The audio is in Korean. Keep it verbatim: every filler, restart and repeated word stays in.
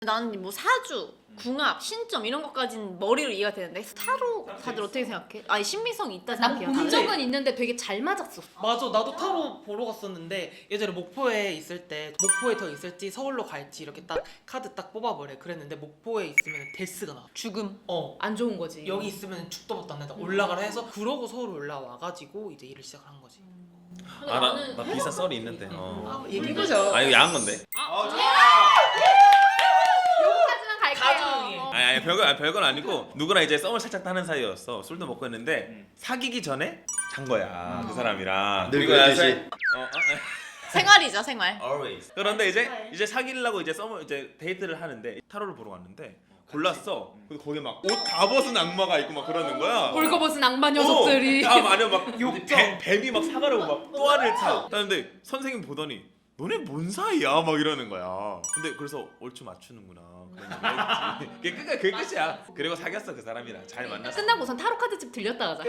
나는 뭐 사주, 궁합, 신점 이런 것까지는 머리로 이해가 되는데 타로 다들 어떻게 생각해? 아니 신빙성이 있다 난 생각해요. 본 다들. 적은 있는데 되게 잘 맞았어. 맞아, 나도 타로 보러 갔었는데 예전에 목포에 있을 때 목포에 더 있을지 서울로 갈지 이렇게 딱 카드 딱 뽑아보래. 그랬는데 목포에 있으면 데스가 나와. 죽음. 어 안 좋은 거지. 여기 있으면 죽도 밥도 안 된다. 올라가라 해서 그러고 서울 올라와가지고 이제 일을 시작을 한 거지. 아, 나, 나 비슷한 썰이 있는데. 어. 얘기해보자. 아 이거 야한 건데. 여기까지만 갈게요. 가족이. 어. 아니, 아니 별건 아니, 별건 아니고 누구랑 이제 썸을 살짝 타는 사이였어. 술도 먹고 했는데 사귀기 전에 잔 거야 그 사람이랑. 늘 그리고 그랬듯이. 나서- 어, 어, 생활이죠 생활. always. 그런데 이제 이제 사귀려고 이제 썸을 이제 데이트를 하는데 타로를 보러 갔는데 골랐어. 근데 거기 막 옷 다 벗은 악마가 있고 막 그러는 거야. 벌거벗은 악마 녀석들이. 어, 다 마녀 막 뱀, 뱀이 막 사가려고 막 또아를 타. 근데 선생님 보더니 너네 뭔 사이야? 막 이러는 거야. 근데 그래서 얼추 맞추는구나. 그런 얘기 했지. 그게 끝 그게 끝이야. 그리고 사귀었어 그 사람이랑 잘 만났어. 끝나고선 타로 카드집 들렸다 가자.